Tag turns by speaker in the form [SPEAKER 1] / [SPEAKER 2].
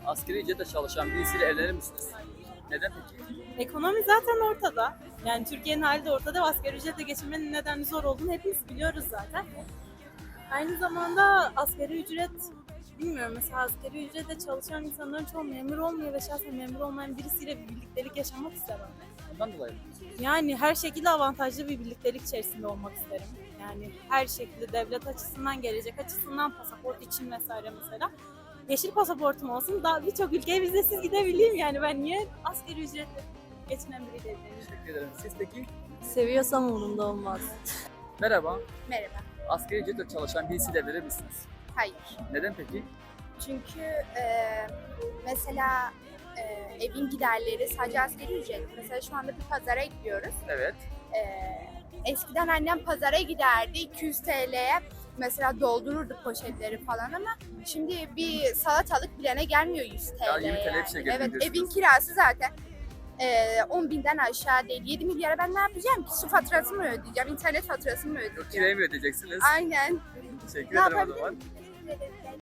[SPEAKER 1] Asgari ücretle çalışan birisiyle evlenir misiniz? Neden peki?
[SPEAKER 2] Ekonomi zaten ortada. Yani Türkiye'nin hali de ortada ve asgari ücretle geçinmenin neden zor olduğunu hepimiz biliyoruz zaten. Aynı zamanda asgari ücret, bilmiyorum, mesela asgari ücretle çalışan insanların çoğu memur olmuyor ve şahsen memur olmayan birisiyle bir birliktelik yaşamak istemem.
[SPEAKER 1] Bundan dolayı.
[SPEAKER 2] Yani her şekilde avantajlı bir birliktelik içerisinde olmak isterim. Yani her şekilde devlet açısından, gelecek açısından, pasaport için vesaire mesela. Yeşil pasaportum olsun, daha birçok ülkeye vizesiz gidebileyim yani. Ben niye asgari ücretle geçinen biriyle evleneyim?
[SPEAKER 1] Teşekkür ederim. Siz peki?
[SPEAKER 2] Seviyorsam umurumda olmaz.
[SPEAKER 1] Merhaba.
[SPEAKER 3] Merhaba.
[SPEAKER 1] Asgari ücretle çalışan birisiyle evlenir misiniz?
[SPEAKER 3] Hayır.
[SPEAKER 1] Neden peki?
[SPEAKER 3] Çünkü mesela evin giderleri sadece asgari ücret. Mesela şu anda bir pazara gidiyoruz.
[SPEAKER 1] Evet.
[SPEAKER 3] Eskiden annem pazara giderdi 200 TL'ye mesela doldururduk poşetleri falan ama şimdi bir salatalık bilene gelmiyor 100 TL.
[SPEAKER 1] Ya 20 TL bir
[SPEAKER 3] yani.
[SPEAKER 1] şey geliyor
[SPEAKER 3] Evet,
[SPEAKER 1] diyorsunuz.
[SPEAKER 3] evin kirası zaten 10 binden aşağı değil. 7 milyara ben ne yapacağım ki? Su faturası mı ödeyeceğim, internet faturası mı ödeyeceğim?
[SPEAKER 1] Kirayı mı ödeyeceksiniz?
[SPEAKER 3] Aynen.
[SPEAKER 1] Teşekkür
[SPEAKER 3] Ne
[SPEAKER 1] ederim o
[SPEAKER 3] yapabilirim?
[SPEAKER 1] zaman.
[SPEAKER 3] Teşekkür ederim.